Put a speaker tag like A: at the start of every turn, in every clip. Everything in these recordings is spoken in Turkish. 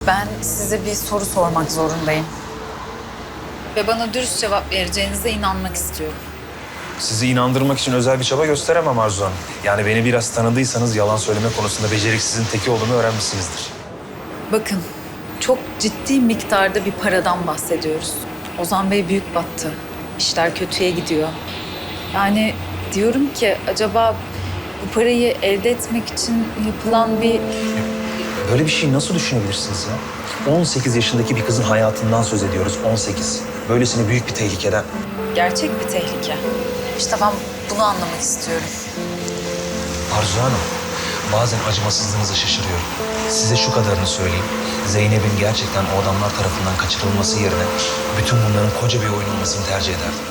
A: Ben size bir soru sormak zorundayım. Ve bana dürüst cevap vereceğinize inanmak istiyorum.
B: Sizi inandırmak için özel bir çaba gösteremem Arzu Hanım. Yani beni biraz tanıdıysanız yalan söyleme konusunda beceriksizin teki olduğumu öğrenmişsinizdir.
A: Bakın, çok ciddi miktarda bir paradan bahsediyoruz. Ozan Bey büyük battı. İşler kötüye gidiyor. Yani diyorum ki acaba bu parayı elde etmek için yapılan bir...
B: Böyle bir şey nasıl düşünebilirsiniz ya? 18 yaşındaki bir kızın hayatından söz ediyoruz, 18. Böylesine büyük bir tehlikeden.
A: Gerçek bir tehlike. İşte ben bunu anlamak istiyorum.
B: Arzu Hanım, bazen acımasızlığınıza şaşırıyorum. Size şu kadarını söyleyeyim. Zeynep'in gerçekten o adamlar tarafından kaçırılması yerine bütün bunların koca bir oyun olmasını tercih ederdim.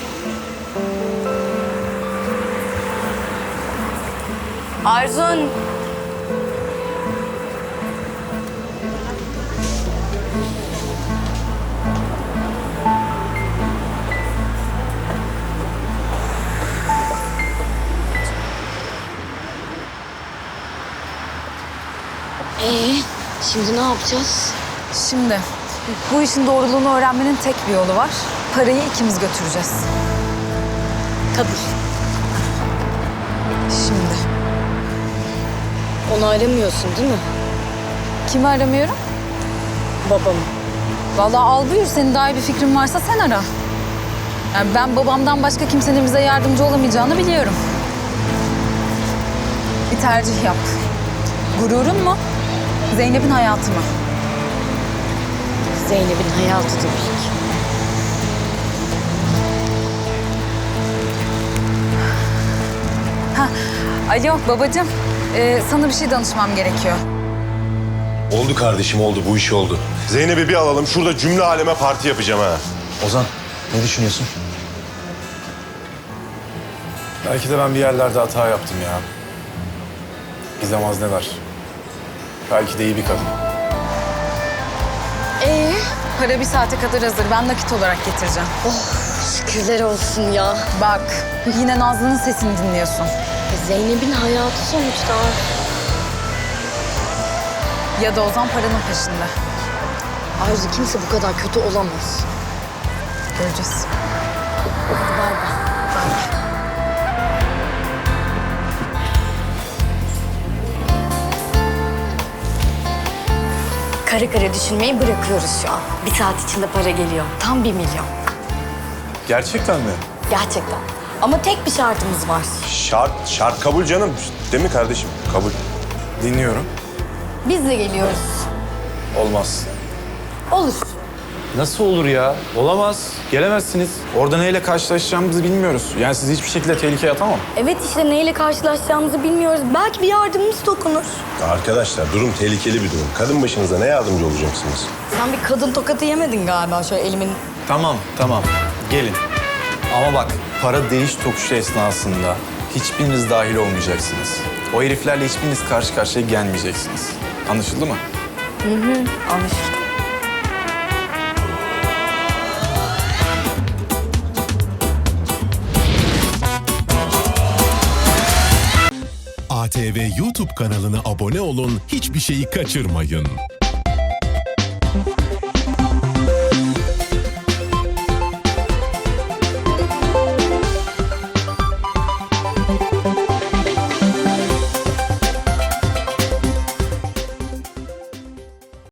C: Arzun. Şimdi ne yapacağız?
A: Şimdi bu işin doğruluğunu öğrenmenin tek bir yolu var. Parayı ikimiz götüreceğiz.
C: Tabii.
A: Şimdi.
C: Onu aramıyorsun değil mi?
A: Kimi aramıyorum?
C: Babamı.
A: Vallahi al buyur, senin daha iyi bir fikrin varsa sen ara. Yani ben babamdan başka kimsenin bize yardımcı olamayacağını biliyorum. Bir tercih yap. Gururun mu? Zeynep'in hayatı mı?
C: Zeynep'in hayatı tabii ki.
A: Alo babacığım, sana bir şey danışmam gerekiyor.
D: Oldu kardeşim oldu, bu iş oldu. Zeynep'i bir alalım, şurada cümle aleme parti yapacağım ha.
B: Ozan, ne düşünüyorsun?
E: Belki de ben bir yerlerde hata yaptım ya. Gizem ne var? Belki de iyi bir kadın.
A: Para bir saate kadar hazır. Ben nakit olarak getireceğim.
C: Şükürler olsun ya.
A: Bak, yine Nazlı'nın sesini dinliyorsun.
C: Zeynep'in hayatı sonuçta.
A: Ya da Ozan paranın peşinde.
C: Arzu kimse bu kadar kötü olamaz.
A: Göreceğiz.
C: Bay bay. Kare kare düşünmeyi bırakıyoruz şu an. Bir saat içinde para geliyor. Tam 1 milyon.
E: Gerçekten mi?
C: Gerçekten. Ama tek bir şartımız var.
D: Şart kabul canım. Değil mi kardeşim? Kabul.
E: Dinliyorum.
C: Biz de geliyoruz.
E: Olmaz.
C: Olur.
E: Nasıl olur ya? Olamaz. Gelemezsiniz. Orada neyle karşılaşacağımızı bilmiyoruz. Yani sizi hiçbir şekilde tehlikeye atamam.
C: Evet işte neyle karşılaşacağımızı bilmiyoruz. Belki bir yardımımız dokunur.
D: Arkadaşlar durum tehlikeli bir durum. Kadın başınıza ne yardımcı olacaksınız?
C: Sen bir kadın tokatı yemedin galiba şöyle elimin...
E: Tamam. Gelin. Ama bak, para değiş tokuşu esnasında hiçbiriniz dahil olmayacaksınız. O heriflerle hiçbiriniz karşı karşıya gelmeyeceksiniz. Anlaşıldı mı?
C: Anlaşıldı.
F: ATV YouTube kanalına abone olun, hiçbir şeyi kaçırmayın.